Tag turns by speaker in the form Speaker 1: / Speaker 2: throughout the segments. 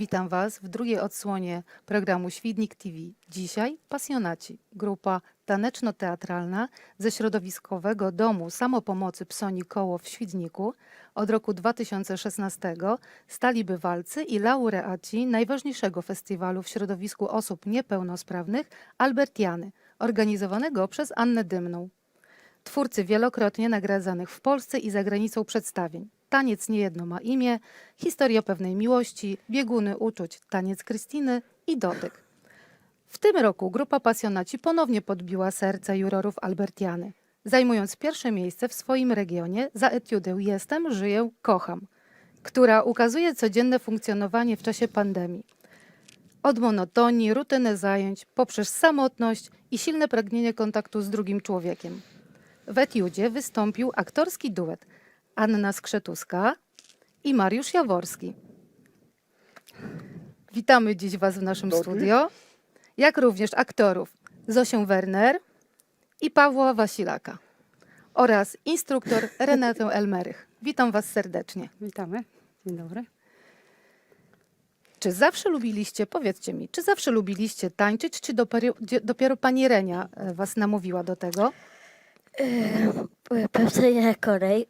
Speaker 1: Witam Was w drugiej odsłonie programu Świdnik TV. Dzisiaj pasjonaci, grupa taneczno-teatralna ze środowiskowego domu samopomocy Psoni Koło w Świdniku. Od roku 2016 stali bywalcy i laureaci najważniejszego festiwalu w środowisku osób niepełnosprawnych Albertiany, organizowanego przez Annę Dymną. Twórcy wielokrotnie nagradzanych w Polsce i za granicą przedstawień. Taniec niejedno ma imię, historia pewnej miłości, bieguny uczuć, taniec Krystyny i dotyk. W tym roku grupa pasjonaci ponownie podbiła serca jurorów Albertiany, zajmując pierwsze miejsce w swoim regionie za etiudę Jestem, żyję, kocham, która ukazuje codzienne funkcjonowanie w czasie pandemii. Od monotonii, rutyny zajęć, poprzez samotność i silne pragnienie kontaktu z drugim człowiekiem. W etiudzie wystąpił aktorski duet Anna Skrzetuska i Mariusz Jaworski. Witamy dziś Was w naszym studio, jak również aktorów Zosię Werner i Pawła Wasilaka oraz instruktor Renatę Elmerych. Witam Was serdecznie.
Speaker 2: Witamy. Dzień dobry.
Speaker 1: Czy zawsze lubiliście, powiedzcie mi, czy zawsze lubiliście tańczyć, czy dopiero pani Renia Was namówiła do tego?
Speaker 3: Powstaje kolej.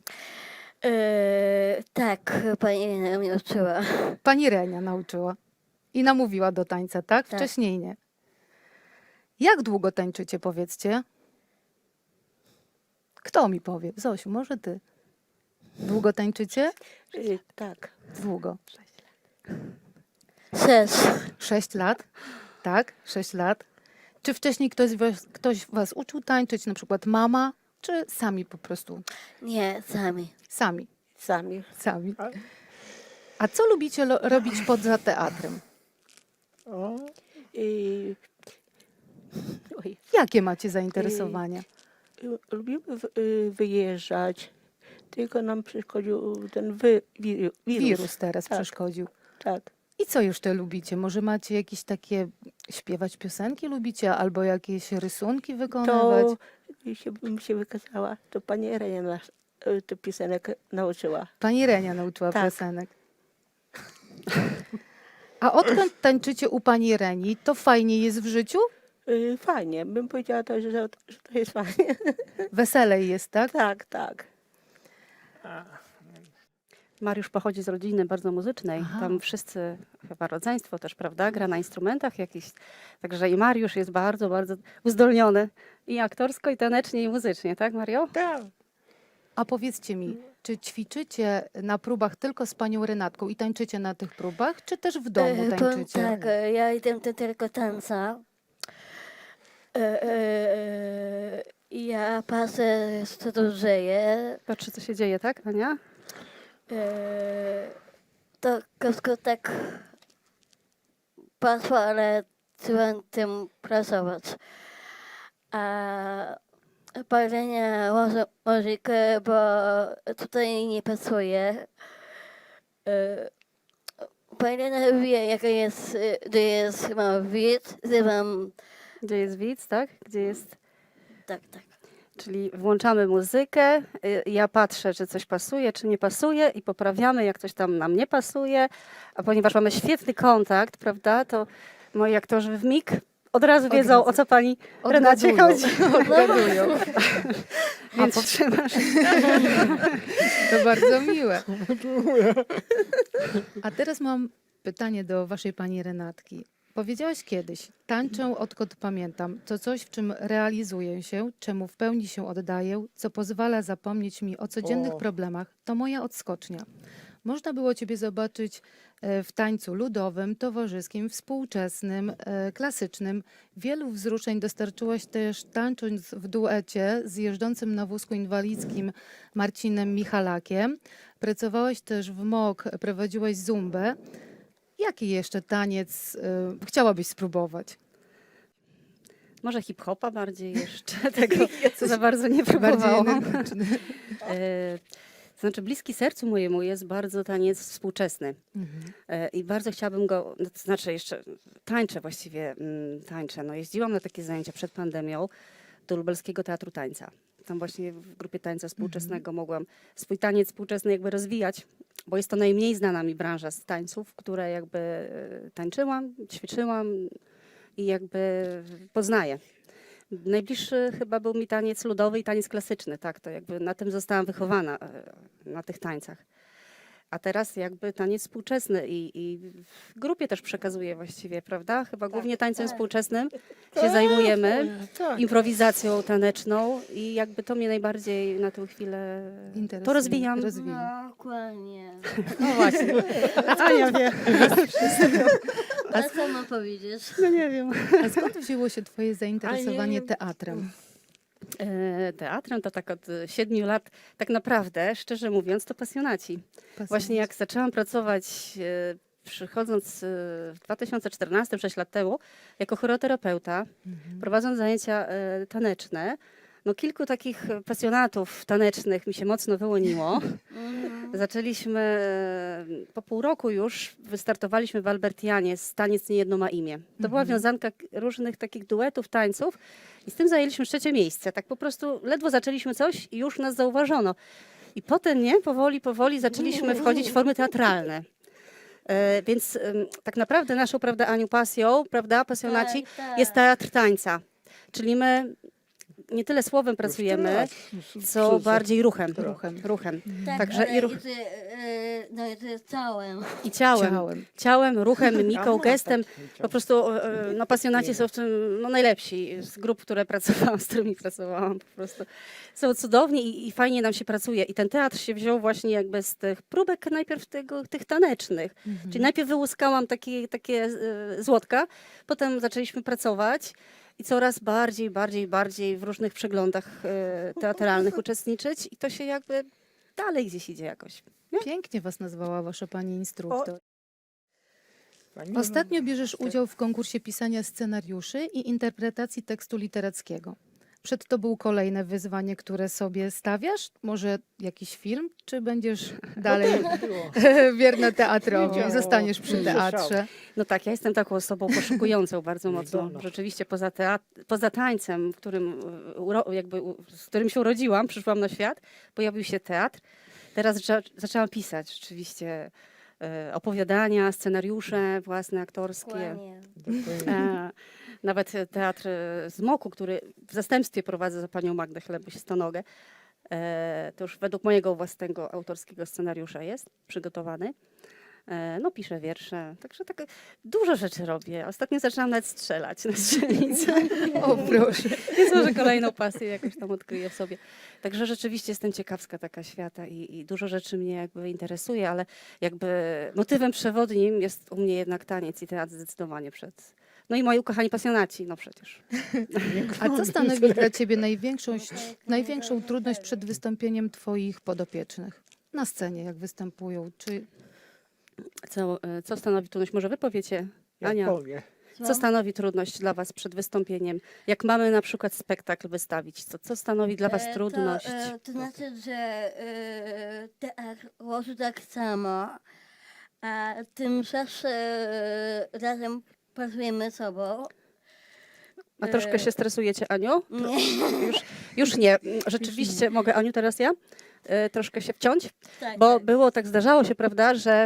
Speaker 3: Tak, pani mnie uczyła.
Speaker 1: Pani Renia nauczyła i namówiła do tańca, tak?
Speaker 3: Tak.
Speaker 1: Wcześniej nie. Jak długo tańczycie, powiedzcie? Kto mi powie? Zosiu, może ty. Długo tańczycie?
Speaker 3: Tak.
Speaker 1: Długo.
Speaker 3: 6.
Speaker 1: 6 lat? Tak, 6 lat. Czy wcześniej ktoś was uczył tańczyć, na przykład mama, czy sami po prostu?
Speaker 3: Nie, sami.
Speaker 1: Sami.
Speaker 3: Sami.
Speaker 1: A co lubicie robić poza teatrem?
Speaker 4: I,
Speaker 1: Jakie macie zainteresowania?
Speaker 4: lubimy wyjeżdżać, tylko nam przeszkodził ten wirus.
Speaker 1: Wirus teraz
Speaker 4: Tak.
Speaker 1: przeszkodził.
Speaker 4: Tak.
Speaker 1: I co jeszcze lubicie? Może macie jakieś takie śpiewać piosenki lubicie, albo jakieś rysunki wykonywać?
Speaker 4: To bym się wykazała, to pani Erenia nas tę piosenek nauczyła.
Speaker 1: Pani Renia nauczyła
Speaker 4: Tak.
Speaker 1: piosenek. A odkąd tańczycie u pani Reni, to fajnie jest w życiu?
Speaker 4: Fajnie, bym powiedziała to, że to jest fajnie.
Speaker 1: Weselej jest, tak?
Speaker 4: Tak, tak.
Speaker 2: Mariusz pochodzi z rodziny bardzo muzycznej.
Speaker 1: Aha.
Speaker 2: Tam wszyscy, chyba rodzeństwo też, prawda, gra na instrumentach jakichś. Także i Mariusz jest bardzo, bardzo uzdolniony. I aktorsko, i tanecznie, i muzycznie, tak Mario?
Speaker 4: Tak.
Speaker 1: A powiedzcie mi, czy ćwiczycie na próbach tylko z panią Renatką i tańczycie na tych próbach, czy też w domu tańczycie?
Speaker 3: Tak, ja idę tylko tańca. Ja patrzę, co tu dzieje.
Speaker 2: Patrzy, co się dzieje, tak, Ania?
Speaker 3: To krótko tak patrzę, ale trzeba tym pracować. A palenie łożykę, bo tutaj nie pasuje. Palenie wie, jaka jest, gdzie jest ma widz, zrywam,
Speaker 2: Gdzie jest widz, tak? Gdzie jest...
Speaker 3: tak.
Speaker 2: Czyli włączamy muzykę, ja patrzę, czy coś pasuje, czy nie pasuje i poprawiamy, jak coś tam nam nie pasuje. A ponieważ mamy świetny kontakt, prawda, to moi aktorzy w mig od razu wiedzą,
Speaker 1: razu.
Speaker 2: o co pani Renacie chodzi.
Speaker 1: Odgadują.
Speaker 2: Więc trzymasz.
Speaker 1: To bardzo miłe. A teraz mam pytanie do waszej pani Renatki. Powiedziałaś kiedyś, tańczę odkąd pamiętam, to coś, w czym realizuję się, czemu w pełni się oddaję, co pozwala zapomnieć mi o codziennych problemach, to moja odskocznia. Można było ciebie zobaczyć w tańcu ludowym, towarzyskim, współczesnym, klasycznym. Wielu wzruszeń dostarczyłaś też tańcząc w duecie z jeżdżącym na wózku inwalidzkim Marcinem Michalakiem. Pracowałaś też w MOK, prowadziłaś zumbę. Jaki jeszcze taniec chciałabyś spróbować?
Speaker 2: Może hip-hopa bardziej jeszcze, tego co za bardzo nie próbowałam.
Speaker 1: energiczny.
Speaker 2: To znaczy bliski sercu mojemu jest bardzo taniec współczesny. I bardzo chciałabym go, to znaczy jeszcze tańczę właściwie, tańczę. No, jeździłam na takie zajęcia przed pandemią do Lubelskiego Teatru Tańca. tam właśnie w grupie tańca współczesnego mogłam swój taniec współczesny jakby rozwijać, bo jest to najmniej znana mi branża z tańców, które jakby tańczyłam, ćwiczyłam i jakby poznaję. Najbliższy chyba był mi taniec ludowy i taniec klasyczny, tak, to jakby na tym zostałam wychowana, na tych tańcach. A teraz jakby taniec współczesny i w grupie też przekazuję właściwie, prawda? Chyba głównie tańcem współczesnym się zajmujemy,
Speaker 4: Tak.
Speaker 2: improwizacją taneczną i jakby to mnie najbardziej na tę chwilę,
Speaker 1: Interesuje,
Speaker 2: to rozwijam.
Speaker 3: No, dokładnie.
Speaker 2: No właśnie,
Speaker 4: Ania wie.
Speaker 3: A co mam powiedzieć?
Speaker 2: no nie wiem.
Speaker 1: A skąd wzięło się twoje zainteresowanie
Speaker 4: wiem.
Speaker 1: teatrem?
Speaker 2: Teatrem to tak od 7 lat, tak naprawdę, szczerze mówiąc, to pasjonaci. Właśnie jak zaczęłam pracować, przychodząc w 2014, 6 lat temu, jako choreoterapeuta, prowadząc zajęcia taneczne, no kilku takich pasjonatów tanecznych mi się mocno wyłoniło. Zaczęliśmy po pół roku już, wystartowaliśmy w Albertianie z Taniec Niejedno ma imię. To była wiązanka różnych takich duetów, tańców i z tym zajęliśmy 3. miejsce. Tak po prostu ledwo zaczęliśmy coś i już nas zauważono. I potem, nie, powoli zaczęliśmy wchodzić w formy teatralne. Więc tak naprawdę naszą, prawda, Aniu, pasją, prawda, pasjonaci,
Speaker 3: Tak.
Speaker 2: jest teatr tańca. Czyli my nie tyle słowem pracujemy, co bardziej ruchem. Ruchem.
Speaker 3: Tak,
Speaker 2: Także
Speaker 3: ale
Speaker 2: i ruch,
Speaker 3: no i to jest całym.
Speaker 2: i ciałem.
Speaker 1: Ciałem.
Speaker 2: Ciałem, ruchem, mimiką, gestem. Po prostu no, pasjonaci są w tym no, najlepsi z grup, które pracowałam, z którymi pracowałam. Po prostu są cudowni i fajnie nam się pracuje. I ten teatr się wziął właśnie jakby z tych próbek najpierw tych tanecznych. Czyli najpierw wyłuskałam takie złotka, potem zaczęliśmy pracować i coraz bardziej w różnych przeglądach teatralnych uczestniczyć i to się jakby dalej gdzieś idzie jakoś.
Speaker 1: Pięknie was nazwała wasza pani instruktor.
Speaker 4: Pani
Speaker 1: Ostatnio bierzesz udział w konkursie pisania scenariuszy i interpretacji tekstu literackiego. Przed tobą kolejne wyzwanie, które sobie stawiasz? Może jakiś film? Czy będziesz dalej wierna teatrowi i zostaniesz przy teatrze?
Speaker 2: No tak, ja jestem taką osobą poszukującą bardzo mocno. Rzeczywiście poza tańcem, z którym się urodziłam, przyszłam na świat, pojawił się teatr. Teraz zaczęłam pisać rzeczywiście opowiadania, scenariusze własne, aktorskie.
Speaker 3: Dokładnie.
Speaker 2: Nawet teatr z Moku, który w zastępstwie prowadzę za panią Magdę Chlebuś-Stonogę, to już według mojego własnego autorskiego scenariusza jest przygotowany. No piszę wiersze, także tak dużo rzeczy robię. Ostatnio zaczęłam nawet strzelać na strzelnicę.
Speaker 1: O proszę.
Speaker 2: Więc może kolejną pasję jakoś tam odkryję w sobie. Także rzeczywiście jestem ciekawska taka świata i dużo rzeczy mnie jakby interesuje, ale jakby motywem przewodnim jest u mnie jednak taniec i teatr zdecydowanie przed. No i moi ukochani pasjonaci, no przecież.
Speaker 1: A co stanowi dla ciebie największą trudność przed wystąpieniem twoich podopiecznych? Na scenie, jak występują? Czy
Speaker 2: Co stanowi trudność? Może wy powiecie, Ania, co stanowi trudność dla was przed wystąpieniem? Jak mamy na przykład spektakl wystawić, co stanowi dla was trudność?
Speaker 3: To znaczy, że teatr głosu tak samo, a tymczasem razem pracujemy sobą.
Speaker 2: A troszkę się stresujecie, Aniu?
Speaker 3: Nie.
Speaker 2: Już nie. Rzeczywiście, mogę, Aniu, teraz ja? Troszkę się wciąć?
Speaker 3: Tak,
Speaker 2: Bo
Speaker 3: tak.
Speaker 2: było tak, zdarzało się, prawda, że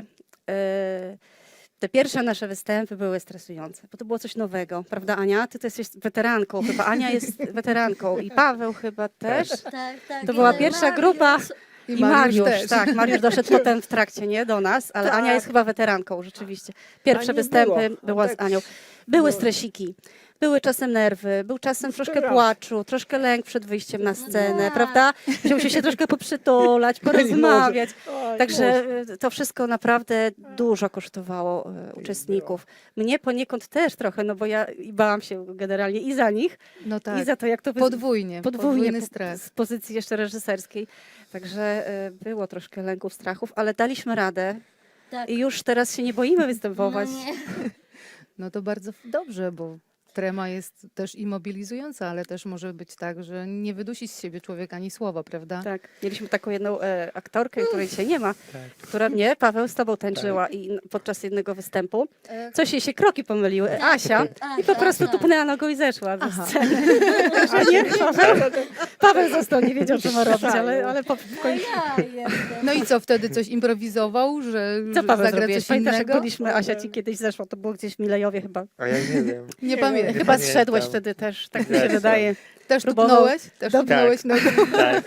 Speaker 2: te pierwsze nasze występy były stresujące, bo to było coś nowego, prawda, Ania? Ty jesteś weteranką, chyba Ania jest weteranką i Paweł chyba też.
Speaker 3: Tak.
Speaker 2: To była
Speaker 3: I
Speaker 2: pierwsza
Speaker 3: Mariusz.
Speaker 2: grupa. I Mariusz,
Speaker 1: też.
Speaker 2: tak, Mariusz doszedł potem w trakcie, nie, do nas, ale Ania jest chyba weteranką, rzeczywiście. Pierwsze
Speaker 4: Ani
Speaker 2: występy
Speaker 4: było.
Speaker 2: była z
Speaker 4: Tak.
Speaker 2: Anią. Były stresiki, były czasem nerwy, był czasem troszkę
Speaker 4: raz.
Speaker 2: płaczu, troszkę lęk przed wyjściem na scenę,
Speaker 3: tak.
Speaker 2: prawda? Musiał się troszkę poprzytulać, porozmawiać.
Speaker 4: Oj,
Speaker 2: Także to wszystko naprawdę dużo kosztowało uczestników. Mnie poniekąd też trochę, no bo ja i bałam się generalnie i za nich,
Speaker 1: no tak,
Speaker 2: i za to, jak to
Speaker 1: podwójny
Speaker 2: podwójnie
Speaker 1: stres.
Speaker 2: z pozycji jeszcze reżyserskiej. Także było troszkę lęków, strachów, ale daliśmy radę
Speaker 3: Tak.
Speaker 2: i już teraz się nie boimy występować.
Speaker 3: No nie.
Speaker 1: No to bardzo dobrze, bo trema jest też i mobilizująca, ale też może być tak, że nie wydusi z siebie człowiek ani słowa, prawda?
Speaker 2: Tak, mieliśmy taką jedną aktorkę, której dzisiaj nie ma, która mnie, Paweł, z tobą tańczyła i podczas jednego występu. Coś jej się kroki pomyliły, Asia, i po prostu tupnęła nogą i zeszła ze sceny. A nie, Paweł został, nie wiedział, co ma robić, ale w końcu...
Speaker 1: No i co, wtedy coś improwizował, że
Speaker 2: Co Paweł
Speaker 1: zagra
Speaker 2: zrobiłeś?
Speaker 1: coś
Speaker 2: Pamiętasz, jak
Speaker 1: innego?
Speaker 2: byliśmy, Asia ci kiedyś zeszła, to było gdzieś w Milejowie chyba.
Speaker 5: A ja nie wiem.
Speaker 1: Nie pamiętam.
Speaker 2: Chyba
Speaker 5: pamiętam.
Speaker 2: zszedłeś wtedy też, tak mi się
Speaker 5: Zeszłam.
Speaker 2: wydaje.
Speaker 1: Też
Speaker 2: Próbował-
Speaker 1: tupnąłeś? Też tupnąłeś nogą?
Speaker 5: Tak.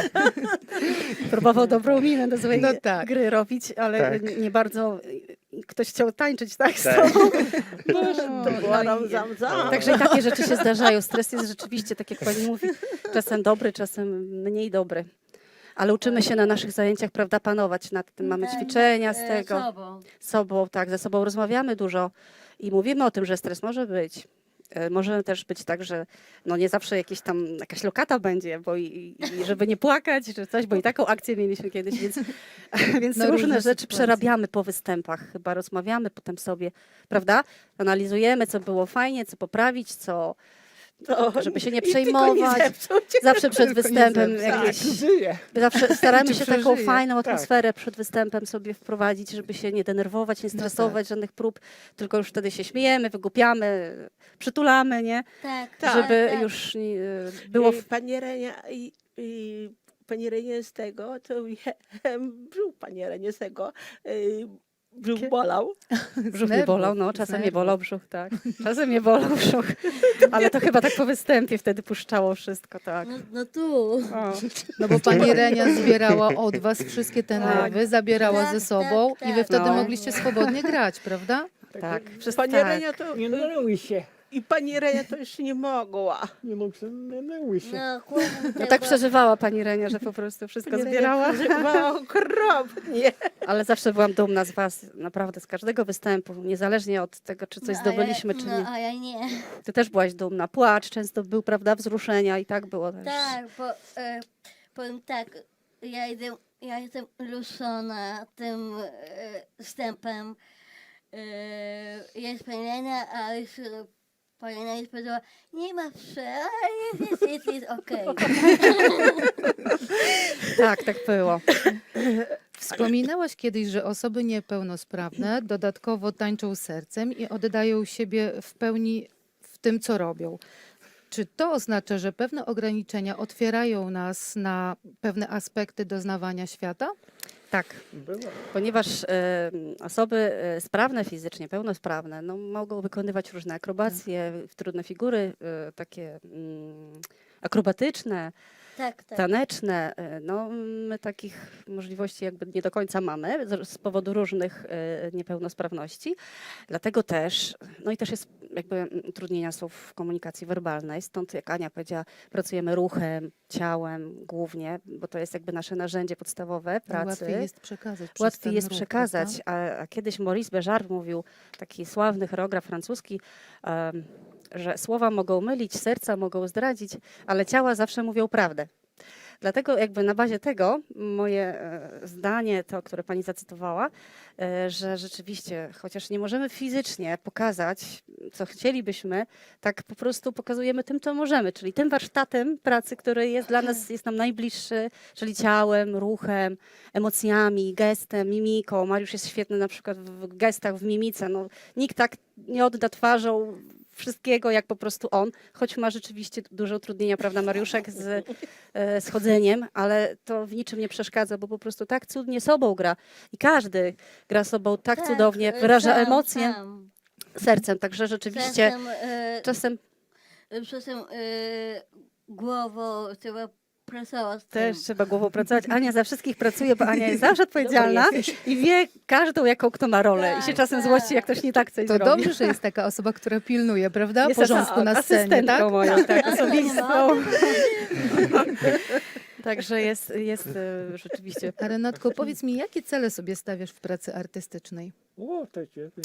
Speaker 2: Próbował dobrą minę do swojej
Speaker 1: No tak.
Speaker 2: gry robić, ale
Speaker 5: Tak.
Speaker 2: nie bardzo ktoś chciał tańczyć tak z
Speaker 5: Tak.
Speaker 2: tobą.
Speaker 4: To była
Speaker 2: No i-
Speaker 4: ram-zam-zam.
Speaker 2: Także i takie rzeczy się zdarzają. Stres jest rzeczywiście, tak jak pani mówi, czasem dobry, czasem mniej dobry. Ale uczymy się na naszych zajęciach, prawda, panować nad tym. Mamy ćwiczenia z tego. Sobą, tak, ze sobą rozmawiamy dużo i mówimy o tym, że stres może być. Może też być tak, że no nie zawsze jakaś lokata będzie, bo i żeby nie płakać, czy coś, bo i taką akcję mieliśmy kiedyś, więc, więc
Speaker 1: No,
Speaker 2: różne
Speaker 1: różne
Speaker 2: rzeczy
Speaker 1: sytuacje.
Speaker 2: przerabiamy po występach, chyba rozmawiamy potem sobie, prawda? Analizujemy, co było fajnie, co poprawić, co, żeby się nie
Speaker 4: I tylko
Speaker 2: przejmować.
Speaker 4: zepsuć.
Speaker 2: Zawsze przed
Speaker 1: Tylko nie
Speaker 2: występem
Speaker 1: zepsuć.
Speaker 2: jakieś...
Speaker 5: Żyję.
Speaker 2: Zawsze staramy
Speaker 1: Czy
Speaker 2: się taką
Speaker 1: przeżyje?
Speaker 2: fajną
Speaker 5: Tak.
Speaker 2: atmosferę przed występem sobie wprowadzić, żeby się nie denerwować, nie
Speaker 1: No
Speaker 2: stresować żadnych prób, tylko już wtedy się śmiejemy, wygłupiamy, przytulamy, nie?
Speaker 3: Tak,
Speaker 2: Żeby
Speaker 3: tak.
Speaker 2: już było...
Speaker 4: Pani Renia i pani Renie z tego, to brzuch pani Renie z tego, brzuch bolał.
Speaker 2: Brzuch
Speaker 1: Z
Speaker 2: mnie
Speaker 1: nerwów,
Speaker 2: bolał, no
Speaker 1: z
Speaker 2: czasem mnie
Speaker 1: nerwów.
Speaker 2: bolał brzuch, tak. Czasem mnie bolał brzuch, ale to chyba tak po występie wtedy puszczało wszystko, tak.
Speaker 3: No tu.
Speaker 2: O.
Speaker 1: No bo pani Renia zbierała od was wszystkie te
Speaker 2: Tak.
Speaker 1: nerwy, zabierała
Speaker 3: Tak,
Speaker 1: ze sobą
Speaker 3: tak,
Speaker 1: i wy
Speaker 3: tak.
Speaker 1: wtedy
Speaker 2: No.
Speaker 1: mogliście swobodnie grać, prawda?
Speaker 2: Tak, wszyscy
Speaker 4: Pani
Speaker 2: tak.
Speaker 4: Renia to...
Speaker 6: Nie dały się.
Speaker 4: I pani Renia to już nie mogła.
Speaker 6: Nie mógł, nie dały się.
Speaker 3: No, chłopcy
Speaker 2: No
Speaker 3: tego-
Speaker 2: tak przeżywała pani Renia, że po prostu wszystko
Speaker 4: Pani
Speaker 2: zbierała.
Speaker 4: Renia przeżywała okropnie.
Speaker 2: Ale zawsze byłam dumna z was, naprawdę, z każdego występu, niezależnie od tego, czy coś
Speaker 3: No,
Speaker 2: zdobyliśmy, czy
Speaker 3: no,
Speaker 2: nie.
Speaker 3: a ja nie.
Speaker 2: Ty też byłaś dumna. Płacz często był, prawda, wzruszenia i tak było też.
Speaker 3: Tak, bo powiem tak, ja jestem ruszona tym wstępem. Jest pani Lena, a już pani Lena już powiedziała, nie ma jest okej.
Speaker 2: Tak, tak było.
Speaker 1: Wspominałaś kiedyś, że osoby niepełnosprawne dodatkowo tańczą sercem i oddają siebie w pełni w tym, co robią. Czy to oznacza, że pewne ograniczenia otwierają nas na pewne aspekty doznawania świata?
Speaker 2: Tak,
Speaker 6: Była.
Speaker 2: ponieważ osoby sprawne fizycznie, pełnosprawne, no, mogą wykonywać różne akrobacje, trudne figury, takie akrobatyczne,
Speaker 3: Tak, tak.
Speaker 2: taneczne. No, my takich możliwości jakby nie do końca mamy z powodu różnych niepełnosprawności. Dlatego też, no i też jest jakby utrudnienia są w komunikacji werbalnej, stąd jak Ania powiedziała, pracujemy ruchem, ciałem głównie, bo to jest jakby nasze narzędzie podstawowe pracy.
Speaker 1: Łatwiej jest przekazać. przez
Speaker 2: Łatwiej
Speaker 1: ten
Speaker 2: jest
Speaker 1: ruch,
Speaker 2: przekazać,
Speaker 1: prawda?
Speaker 2: a kiedyś Maurice Béjart mówił, taki sławny choreograf francuski, że słowa mogą mylić, serca mogą zdradzić, ale ciała zawsze mówią prawdę. Dlatego jakby na bazie tego moje zdanie, to, które pani zacytowała, że rzeczywiście, chociaż nie możemy fizycznie pokazać, co chcielibyśmy, tak po prostu pokazujemy tym, co możemy, czyli tym warsztatem pracy, który jest dla nas, jest nam najbliższy, czyli ciałem, ruchem, emocjami, gestem, mimiką. Mariusz jest świetny na przykład w gestach, w mimice. No, nikt tak nie odda twarzą wszystkiego, jak po prostu on, choć ma rzeczywiście duże utrudnienia, prawda, Mariuszek z chodzeniem, ale to w niczym nie przeszkadza, bo po prostu tak cudnie sobą gra i każdy gra sobą tak cudownie, wyraża
Speaker 3: sam,
Speaker 2: emocje
Speaker 3: sam.
Speaker 2: sercem, także rzeczywiście
Speaker 3: Czasem,
Speaker 2: czasem
Speaker 3: głową trzeba pracować z
Speaker 2: też
Speaker 3: tym.
Speaker 2: trzeba głową pracować. Ania za wszystkich pracuje, bo Ania jest zawsze odpowiedzialna i wie każdą, jaką kto ma rolę i się
Speaker 3: Tak,
Speaker 2: czasem
Speaker 3: tak.
Speaker 2: złości, jak ktoś nie tak coś
Speaker 1: To
Speaker 2: zrobi.
Speaker 1: dobrze, że jest taka osoba, która pilnuje, prawda?
Speaker 2: Jest
Speaker 1: Porządku na scenie,
Speaker 2: asystentką
Speaker 1: tak?
Speaker 2: moją, tak,
Speaker 3: Nie
Speaker 2: osobistą.
Speaker 3: ma.
Speaker 2: Także jest rzeczywiście.
Speaker 1: A Renatko, powiedz mi, jakie cele sobie stawiasz w pracy artystycznej?
Speaker 6: O, to ciebie.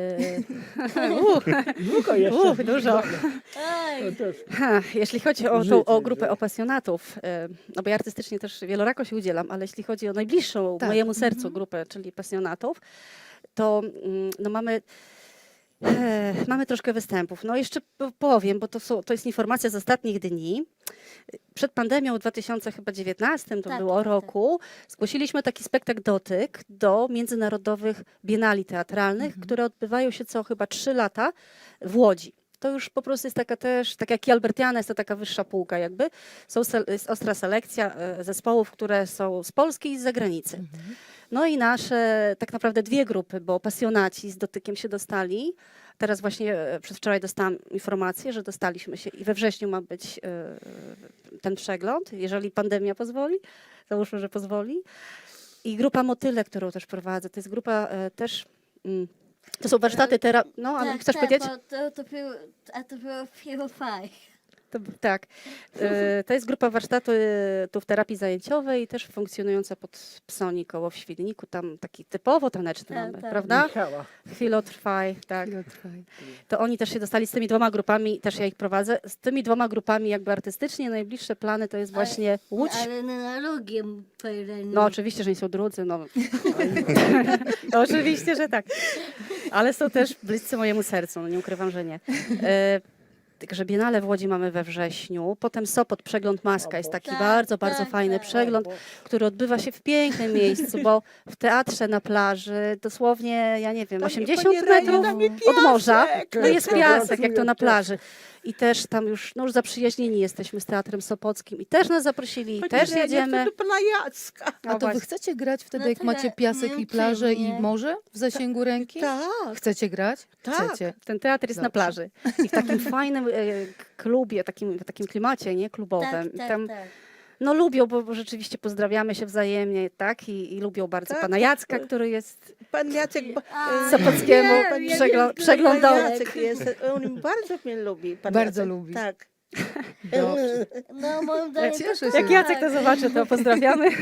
Speaker 2: Długo
Speaker 6: jeszcze.
Speaker 2: dużo.
Speaker 3: Aj,
Speaker 6: To też.
Speaker 2: Jeśli chodzi o
Speaker 6: Życie,
Speaker 2: tą grupę
Speaker 6: że-
Speaker 2: opasjonatów, no bo ja artystycznie też wielorako się udzielam, ale jeśli chodzi o najbliższą
Speaker 1: Tak,
Speaker 2: mojemu sercu grupę, czyli pasjonatów, to no mamy Mamy troszkę występów. No jeszcze powiem, bo to jest informacja z ostatnich dni. Przed pandemią w 2019 to
Speaker 3: Tak,
Speaker 2: było
Speaker 3: tak.
Speaker 2: roku, zgłosiliśmy taki spektakl Dotyk do międzynarodowych bienali teatralnych, które odbywają się co chyba 3 lata w Łodzi. To już po prostu jest taka też, tak jak i Albertiana, jest to taka wyższa półka jakby. Jest ostra selekcja zespołów, które są z Polski i z zagranicy. No i nasze tak naprawdę 2 grupy, bo pasjonaci z Dotykiem się dostali. Teraz właśnie przedwczoraj dostałam informację, że dostaliśmy się i we wrześniu ma być ten przegląd, jeżeli pandemia pozwoli. Załóżmy, że pozwoli. I grupa Motyle, którą też prowadzę, to jest grupa też... To są warsztaty terapii. No, ale chcesz powiedzieć?
Speaker 3: Bo to było Firefly.
Speaker 2: Tak. To jest grupa warsztatów terapii zajęciowej, też funkcjonująca pod Psoni koło w Świdniku. Tam taki typowo taneczny
Speaker 3: Tak,
Speaker 2: mamy,
Speaker 3: tak.
Speaker 2: prawda?
Speaker 6: Michała.
Speaker 2: Chwilotrwaj, tak.
Speaker 1: Chwilotrwaj.
Speaker 2: To oni też się dostali z tymi 2 grupami, też ja ich prowadzę. Z tymi 2 grupami jakby artystycznie najbliższe plany to jest właśnie Łódź.
Speaker 3: Ale na drugim terenie.
Speaker 2: No oczywiście, że nie są drudzy, no. No, oczywiście, że tak. Ale są też bliscy mojemu sercu, no nie ukrywam, że nie. Także Biennale w Łodzi mamy we wrześniu, potem Sopot, Przegląd Maska jest taki
Speaker 3: Tak,
Speaker 2: bardzo
Speaker 3: tak,
Speaker 2: fajny
Speaker 3: tak.
Speaker 2: przegląd, który odbywa się w pięknym miejscu, bo w teatrze na plaży dosłownie, ja nie wiem,
Speaker 4: Tam
Speaker 2: 80
Speaker 4: pani Reniu,
Speaker 2: metrów
Speaker 4: tam jest
Speaker 2: od morza,
Speaker 4: piasek.
Speaker 2: no jest piasek, jak to na
Speaker 6: Piasek.
Speaker 2: plaży. I też tam już zaprzyjaźnieni jesteśmy z Teatrem Sopockim i też nas zaprosili, i
Speaker 4: Pani
Speaker 2: też
Speaker 4: Reniu,
Speaker 2: jedziemy.
Speaker 4: to do pana Jacka.
Speaker 1: A to wy
Speaker 2: właśnie.
Speaker 1: chcecie grać wtedy,
Speaker 3: No
Speaker 1: jak
Speaker 3: tyle,
Speaker 1: macie piasek i
Speaker 3: nie
Speaker 1: plażę i
Speaker 3: mnie.
Speaker 1: morze w zasięgu ręki?
Speaker 4: Tak.
Speaker 1: Chcecie grać?
Speaker 4: Tak.
Speaker 1: Chcecie.
Speaker 2: Ten teatr jest na
Speaker 1: Dobrze.
Speaker 2: plaży i w takim fajnym klubie, w takim klimacie, nie, klubowym.
Speaker 3: Tak,
Speaker 2: Tam,
Speaker 3: tak.
Speaker 2: no lubią, bo rzeczywiście pozdrawiamy się wzajemnie, tak? I lubią bardzo
Speaker 4: Tak,
Speaker 2: pana
Speaker 4: tak.
Speaker 2: Jacka, który jest
Speaker 4: Pan Jacek...
Speaker 2: Sopockiemu przeglądał.
Speaker 4: Pan Jacek jest, on bardzo mnie lubi. Pan
Speaker 1: Bardzo
Speaker 4: Jacek.
Speaker 1: lubi.
Speaker 4: Tak.
Speaker 1: Dobrze.
Speaker 3: No moim zdaniem
Speaker 1: cieszę
Speaker 3: to
Speaker 1: się.
Speaker 2: Jak Jacek to zobaczy, to pozdrawiamy.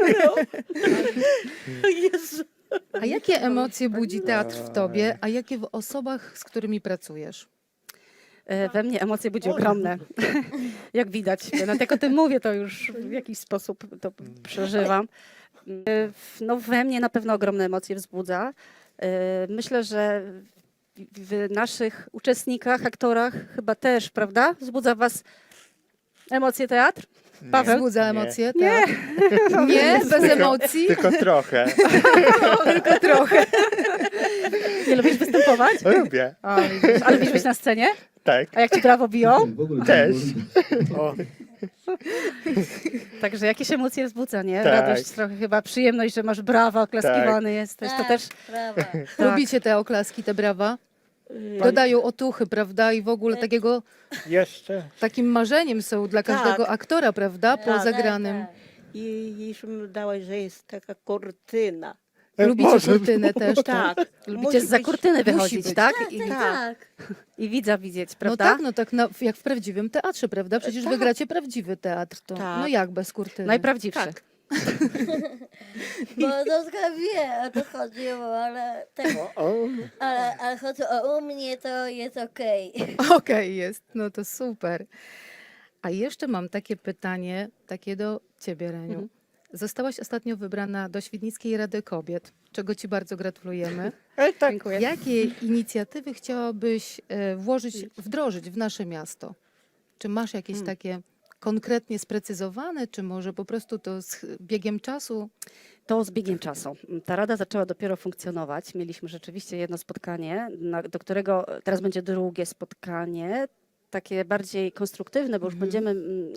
Speaker 4: Jezu.
Speaker 1: A jakie emocje budzi teatr w tobie, a jakie w osobach, z którymi pracujesz?
Speaker 2: We mnie emocje budzi ogromne, jak widać. Nawet jak o tym mówię, to już w jakiś sposób to przeżywam. No we mnie na pewno ogromne emocje wzbudza. Myślę, że w naszych uczestnikach, aktorach chyba też, prawda? Wzbudza was emocje teatr? Paweł?
Speaker 1: Wzbudza
Speaker 5: Nie.
Speaker 1: emocje? Tak. Nie? Bez emocji?
Speaker 5: Tylko trochę.
Speaker 1: Tylko trochę.
Speaker 2: Nie lubisz występować?
Speaker 5: Lubię.
Speaker 2: Ale lubisz być na scenie?
Speaker 5: Tak.
Speaker 2: A jak ci brawo biją?
Speaker 5: Też.
Speaker 6: O,
Speaker 2: Także jakieś emocje wzbudza, nie?
Speaker 5: Tak.
Speaker 2: Radość, trochę chyba przyjemność, że masz brawa, oklaskiwany jesteś. To też
Speaker 3: Brawa.
Speaker 2: tak.
Speaker 1: Lubicie te oklaski, te brawa? Dodają otuchy, prawda? I w ogóle takiego,
Speaker 6: jeszcze.
Speaker 1: takim marzeniem są dla każdego
Speaker 4: Tak.
Speaker 1: aktora, prawda? Po
Speaker 4: Tak,
Speaker 1: zagranym.
Speaker 4: I już mi dałaś, że jest taka kurtyna.
Speaker 1: Lubicie
Speaker 6: Może
Speaker 1: kurtynę też?
Speaker 4: Tak.
Speaker 2: lubicie
Speaker 4: Musi
Speaker 2: za
Speaker 4: być-
Speaker 2: kurtyny
Speaker 1: musi
Speaker 2: wychodzić,
Speaker 1: być.
Speaker 2: tak?
Speaker 4: Tak.
Speaker 2: I widza widzieć,
Speaker 1: No
Speaker 2: prawda?
Speaker 1: tak, no tak jak w prawdziwym teatrze, prawda? Przecież wy
Speaker 4: Tak.
Speaker 1: gracie prawdziwy teatr. To,
Speaker 4: Tak.
Speaker 1: No jak bez kurtyny?
Speaker 2: Najprawdziwszy.
Speaker 4: Tak.
Speaker 3: Bo Zuzka wie, o to chodziło, ale, ale chodzi u mnie, to jest okej.
Speaker 1: Okej, jest. No to super. A jeszcze mam takie pytanie, takie do ciebie, Reniu. Zostałaś ostatnio wybrana do Świdnickiej Rady Kobiet, czego ci bardzo gratulujemy.
Speaker 2: Tak.
Speaker 1: Jakie inicjatywy chciałabyś wdrożyć w nasze miasto? Czy masz jakieś takie konkretnie sprecyzowane, czy może po prostu to z biegiem czasu?
Speaker 2: To z biegiem czasu. Ta rada zaczęła dopiero funkcjonować. Mieliśmy rzeczywiście jedno spotkanie, do którego teraz będzie drugie spotkanie, takie bardziej konstruktywne, bo już będziemy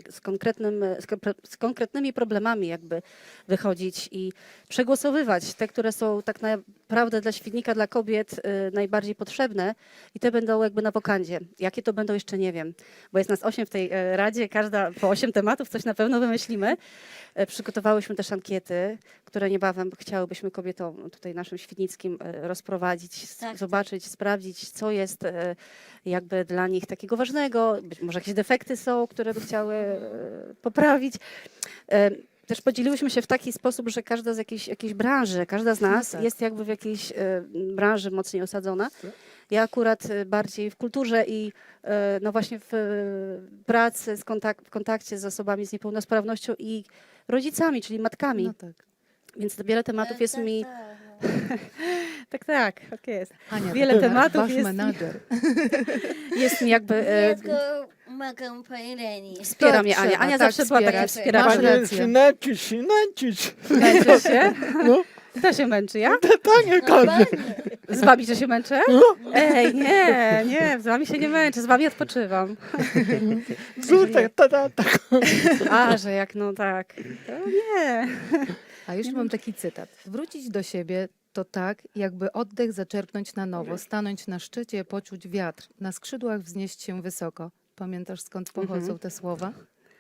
Speaker 2: z konkretnymi problemami jakby wychodzić i przegłosowywać te, które są tak naprawdę dla Świdnika, dla kobiet najbardziej potrzebne i te będą jakby na wokandzie. Jakie to będą, jeszcze nie wiem, bo jest nas 8 w tej radzie, każda po 8 tematów, coś na pewno wymyślimy. Przygotowałyśmy też ankiety, które niebawem chciałybyśmy kobietom tutaj naszym świdnickim rozprowadzić,
Speaker 3: Tak,
Speaker 2: zobaczyć, sprawdzić, co jest jakby dla nich takiego ważnego, być może jakieś defekty są, które by chciały poprawić. Też podzieliłyśmy się w taki sposób, że każda z jakiejś branży, każda z nas
Speaker 1: tak.
Speaker 2: jest jakby w jakiejś branży mocniej osadzona. Ja akurat bardziej w kulturze i no właśnie w pracy, w kontakcie z osobami z niepełnosprawnością i rodzicami, czyli matkami.
Speaker 1: No tak.
Speaker 2: Więc wiele tematów jest mi Tak, tak jest.
Speaker 1: Ania,
Speaker 2: Wiele
Speaker 1: to
Speaker 2: tematów
Speaker 1: wasz
Speaker 2: jest.
Speaker 1: menadżer.
Speaker 2: Jest mi jakby...
Speaker 3: Ja tylko pomagam pani Reni.
Speaker 2: Wspiera
Speaker 1: Tak
Speaker 2: mnie Ania.
Speaker 1: trzeba,
Speaker 2: Ania
Speaker 1: tak
Speaker 2: zawsze była
Speaker 1: wspierać.
Speaker 2: takim
Speaker 1: Masz
Speaker 2: wspieraczem.
Speaker 1: rację.
Speaker 6: Sinęcić.
Speaker 2: Męczysz się?
Speaker 6: No,
Speaker 2: Kto się męczy? Ja?
Speaker 6: tak nie
Speaker 3: No,
Speaker 6: każdy.
Speaker 3: pani.
Speaker 2: Z wami, że się męczę? Ej, nie, z wami się nie męczę, z wami odpoczywam.
Speaker 6: Brzutek, tak.
Speaker 2: A, że jak no tak. To nie.
Speaker 1: A już mam taki cytat. Wrócić do siebie to tak, jakby oddech zaczerpnąć na nowo, stanąć na szczycie, poczuć wiatr, na skrzydłach wznieść się wysoko. Pamiętasz, skąd pochodzą te słowa?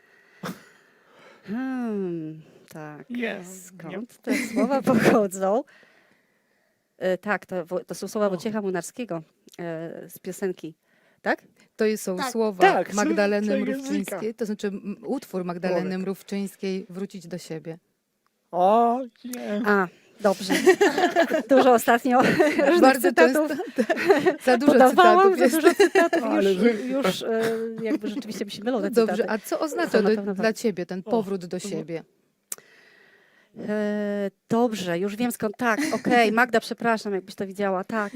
Speaker 2: Tak.
Speaker 6: Jest.
Speaker 2: Skąd te słowa pochodzą? Tak, to są słowa Wojciecha Młynarskiego z piosenki. Tak?
Speaker 1: To są
Speaker 3: Tak.
Speaker 1: słowa
Speaker 6: Tak,
Speaker 1: Magdaleny
Speaker 6: z języka.
Speaker 1: Mrówczyńskiej, to znaczy utwór Magdaleny
Speaker 6: Człowiek.
Speaker 1: Mrówczyńskiej Wrócić do siebie.
Speaker 6: O, nie.
Speaker 2: A, dobrze. Dużo ostatnio różnych
Speaker 1: Bardzo
Speaker 2: cytatów
Speaker 1: Za dużo
Speaker 2: podawałam,
Speaker 1: cytatów
Speaker 2: za
Speaker 1: jest.
Speaker 2: dużo cytatów.
Speaker 6: Ale
Speaker 2: Już jakby rzeczywiście mi się mylą te
Speaker 1: Dobrze,
Speaker 2: cytaty.
Speaker 1: a co
Speaker 2: Są
Speaker 1: oznacza
Speaker 2: na pewno
Speaker 1: dla ciebie ten powrót do siebie?
Speaker 2: Dobrze, już wiem skąd. Tak, okej, Magda, przepraszam, jakbyś to widziała. Tak.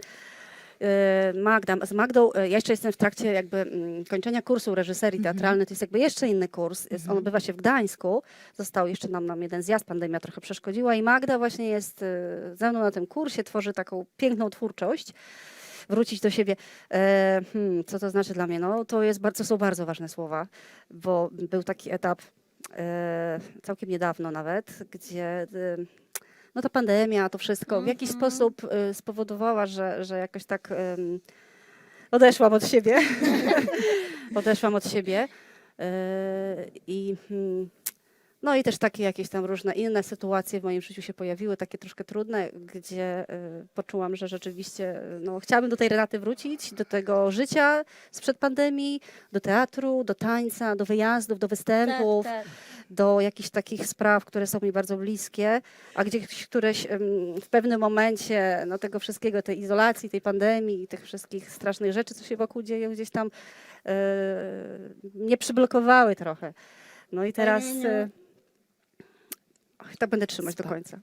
Speaker 2: Z Magdą, ja jeszcze jestem w trakcie jakby kończenia kursu reżyserii teatralnej, to jest jakby jeszcze inny kurs, on odbywa się w Gdańsku, został jeszcze nam jeden zjazd, pandemia trochę przeszkodziła i Magda właśnie jest ze mną na tym kursie, tworzy taką piękną twórczość, wrócić do siebie. Co to znaczy dla mnie? No to są bardzo ważne słowa, bo był taki etap całkiem niedawno nawet, gdzie no ta pandemia, to wszystko w jakiś sposób spowodowała, że jakoś tak odeszłam od siebie. Odeszłam od siebie. No i też takie jakieś tam różne inne sytuacje w moim życiu się pojawiły, takie troszkę trudne, gdzie poczułam, że rzeczywiście no, chciałabym do tej Renaty wrócić, do tego życia sprzed pandemii, do teatru, do tańca, do wyjazdów, do występów.
Speaker 3: Tak, tak.
Speaker 2: Do jakichś takich spraw, które są mi bardzo bliskie, a gdzieś któreś w pewnym momencie no, tego wszystkiego, tej izolacji, tej pandemii, tych wszystkich strasznych rzeczy, co się wokół dzieją, gdzieś tam mnie przyblokowały trochę. No i teraz tak będę trzymać do końca.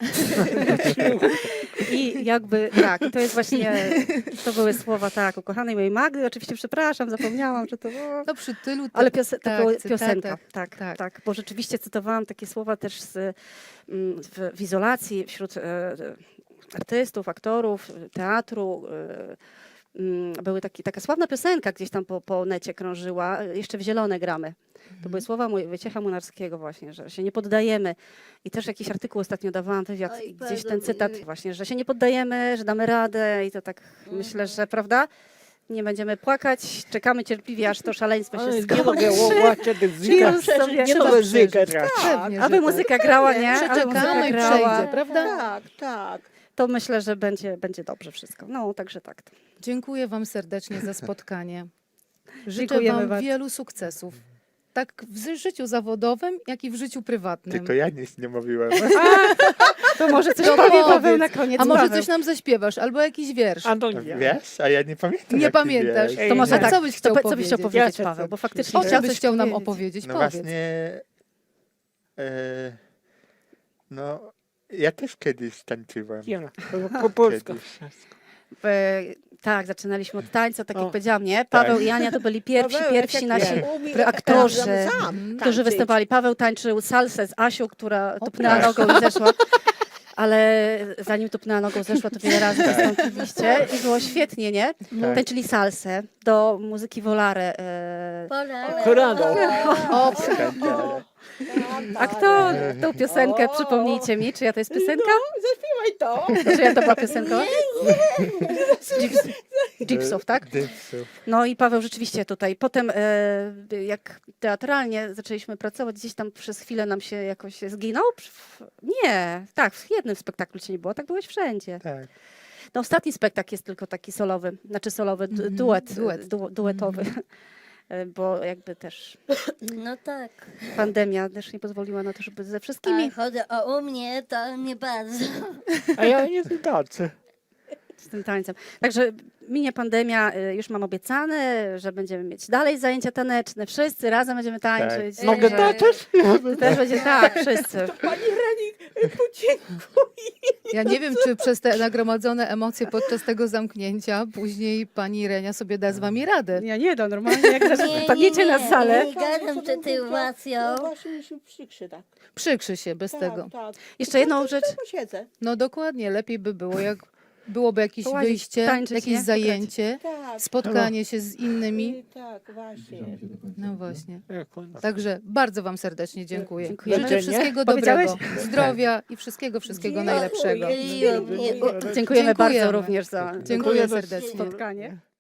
Speaker 2: I jakby tak, to jest właśnie, to były słowa tak, ukochanej mojej Magdy, oczywiście przepraszam, zapomniałam, że to było...
Speaker 1: No przy tylu
Speaker 2: Ale to
Speaker 1: tak,
Speaker 2: była
Speaker 1: cytatach,
Speaker 2: piosenka, tak,
Speaker 1: tak.
Speaker 2: tak, bo rzeczywiście cytowałam takie słowa też w izolacji wśród artystów, aktorów, teatru. Były taka sławna piosenka gdzieś tam po necie krążyła, jeszcze w Zielone gramy. To były słowa Wojciecha Młynarskiego właśnie, że się nie poddajemy. I też jakiś artykuł ostatnio dawałam, wywiad,
Speaker 3: Oj,
Speaker 2: i gdzieś
Speaker 3: bardzo
Speaker 2: ten cytat
Speaker 3: miły.
Speaker 2: właśnie, że się nie poddajemy, że damy radę i to tak myślę, że prawda? Nie będziemy płakać, czekamy cierpliwie, aż to szaleństwo się
Speaker 6: Ale nie
Speaker 2: skończy.
Speaker 6: mogę łaciać
Speaker 2: I już
Speaker 6: zyka.
Speaker 2: sobie-
Speaker 6: Nie
Speaker 1: Trzeba
Speaker 6: mogę zyka
Speaker 1: przeżyć.
Speaker 6: grać.
Speaker 1: Pewnie, że
Speaker 2: Aby
Speaker 1: tak.
Speaker 2: muzyka grała, nie? Aby
Speaker 1: Przeczekamy
Speaker 2: muzyka
Speaker 1: i
Speaker 2: grała,
Speaker 1: przejdzie, prawda?
Speaker 4: Tak, tak.
Speaker 2: to myślę, że będzie dobrze wszystko. No, także tak.
Speaker 1: Dziękuję wam serdecznie za spotkanie. Życzę
Speaker 2: Dziękujemy
Speaker 1: wam
Speaker 2: bardzo.
Speaker 1: wielu sukcesów. Tak w życiu zawodowym, jak i w życiu prywatnym.
Speaker 6: Tylko ja nic nie mówiłem.
Speaker 2: To może coś
Speaker 1: To
Speaker 2: powie
Speaker 1: powiedz.
Speaker 2: Paweł na koniec.
Speaker 1: A może
Speaker 2: Paweł.
Speaker 1: coś nam zaśpiewasz, albo jakiś wiersz.
Speaker 6: A no nie. Wiesz? A ja nie pamiętam.
Speaker 1: Nie
Speaker 6: jaki
Speaker 1: pamiętasz.
Speaker 6: wiersz.
Speaker 2: To może
Speaker 1: A
Speaker 2: tak.
Speaker 1: co byś chciał
Speaker 2: Co byś chciał
Speaker 1: powiedzieć?
Speaker 2: powiedzieć,
Speaker 6: Ja
Speaker 2: Paweł?
Speaker 6: chcę
Speaker 2: Bo
Speaker 6: coś
Speaker 2: faktycznie
Speaker 1: O
Speaker 2: chciał
Speaker 1: czym
Speaker 2: coś
Speaker 1: byś chciał nam
Speaker 2: powiedzieć.
Speaker 1: opowiedzieć?
Speaker 6: No
Speaker 1: Powiedz.
Speaker 6: właśnie... no, ja też kiedyś tańczyłem.
Speaker 5: Ja, po polsku.
Speaker 6: Kiedyś.
Speaker 2: Tak, zaczynaliśmy od tańca, tak jak
Speaker 5: O.
Speaker 2: powiedziałam, nie? Paweł i Ania to byli pierwsi
Speaker 5: Pawełek,
Speaker 2: nasi
Speaker 5: jak umie,
Speaker 2: aktorzy,
Speaker 5: sam
Speaker 2: którzy
Speaker 5: tańczyć.
Speaker 2: występowali. Paweł tańczył salsę z Asią, która tupnęła
Speaker 6: proszę.
Speaker 2: nogą i zeszła. Ale zanim tupnęła nogą, zeszła, to wiele razy wystąpiliście i było świetnie, nie?
Speaker 6: Tak.
Speaker 2: Tańczyli salsę do muzyki Volare.
Speaker 5: Korado.
Speaker 1: O,
Speaker 2: A kto tą piosenkę, przypomnijcie mi, czyja to jest piosenka?
Speaker 5: Zaśpiewaj to.
Speaker 2: Czyja to była piosenka? Gipsów, tak?
Speaker 6: Dipsów.
Speaker 2: No i Paweł rzeczywiście tutaj. Potem jak teatralnie zaczęliśmy pracować, gdzieś tam przez chwilę nam się jakoś zginął. Nie, tak, w jednym spektaklu cię nie było, tak byłeś wszędzie.
Speaker 6: Tak.
Speaker 2: No ostatni spektakl jest tylko taki solowy, znaczy solowy, duetowy. Bo jakby też
Speaker 3: No tak.
Speaker 2: pandemia też nie pozwoliła na to, żeby ze wszystkimi
Speaker 3: A chodzi o u mnie, to nie bardzo.
Speaker 6: A ja nie tańczę.
Speaker 2: z tym tańcem. Także minie pandemia, już mam obiecane, że będziemy mieć dalej zajęcia taneczne. Wszyscy razem będziemy tańczyć.
Speaker 6: Tak.
Speaker 5: Mogę
Speaker 2: Także
Speaker 5: też?
Speaker 2: ty też będzie tak, wszyscy.
Speaker 4: Pani Reni, podziękuj.
Speaker 1: Ja nie wiem, czy przez te nagromadzone emocje podczas tego zamknięcia później pani Renia sobie da z wami radę.
Speaker 2: Ja nie dam normalnie, jak wpadniecie na salę.
Speaker 3: Nie gadam sytuacją.
Speaker 4: No właśnie mi się przykrzy, tak.
Speaker 1: Przykrzy się bez
Speaker 4: Tak,
Speaker 1: tego.
Speaker 4: tak.
Speaker 2: Jeszcze jedną rzecz.
Speaker 4: Posiedzę.
Speaker 1: No dokładnie, lepiej by było, jak byłoby jakieś
Speaker 2: Połazić,
Speaker 1: wyjście,
Speaker 2: tańczyć,
Speaker 1: jakieś
Speaker 2: nie?
Speaker 1: zajęcie,
Speaker 4: Tak.
Speaker 1: spotkanie się z innymi.
Speaker 4: Tak, właśnie.
Speaker 1: No właśnie.
Speaker 6: Jak ona-
Speaker 1: Także bardzo wam serdecznie dziękuję.
Speaker 2: Dziękujemy.
Speaker 1: Życzę wszystkiego
Speaker 2: Powiedziałeś?
Speaker 1: dobrego, zdrowia i wszystkiego najlepszego.
Speaker 3: Miło mnie.
Speaker 2: Dziękujemy bardzo
Speaker 1: Dziękujemy.
Speaker 2: również za
Speaker 1: Dziękuję serdecznie.
Speaker 2: spotkanie.